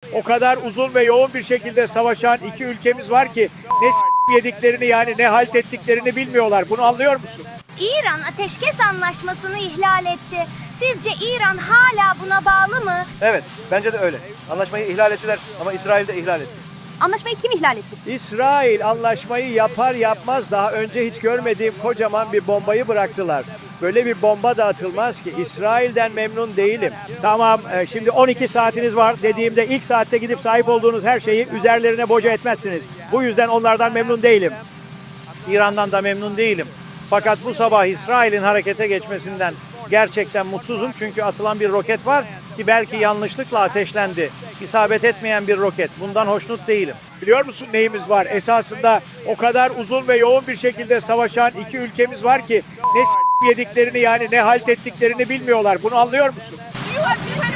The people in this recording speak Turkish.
O kadar uzun ve yoğun bir şekilde savaşan iki ülkemiz var ki ne yediklerini yani ne halt ettiklerini bilmiyorlar. Bunu anlıyor musun? İran ateşkes anlaşmasını ihlal etti. Sizce İran hala buna bağlı mı? Evet, bence de öyle. Anlaşmayı ihlal ettiler ama İsrail de ihlal etti. Anlaşmayı kim ihlal etti? İsrail anlaşmayı yapar yapmaz daha önce hiç görmediğim kocaman bir bombayı bıraktılar. Böyle bir bomba da atılmaz ki. İsrail'den memnun değilim. Tamam, şimdi 12 saatiniz var dediğimde ilk saatte gidip sahip olduğunuz her şeyi üzerlerine boca etmezsiniz. Bu yüzden onlardan memnun değilim. İran'dan da memnun değilim. Fakat bu sabah İsrail'in harekete geçmesinden gerçekten mutsuzum. Çünkü atılan bir roket var ki belki yanlışlıkla ateşlendi. İsabet etmeyen bir roket. Bundan hoşnut değilim. Biliyor musun neyimiz var? Esasında o kadar uzun ve yoğun bir şekilde savaşan iki ülkemiz var ki ne yediklerini yani ne halt ettiklerini bilmiyorlar. Bunu anlıyor musun?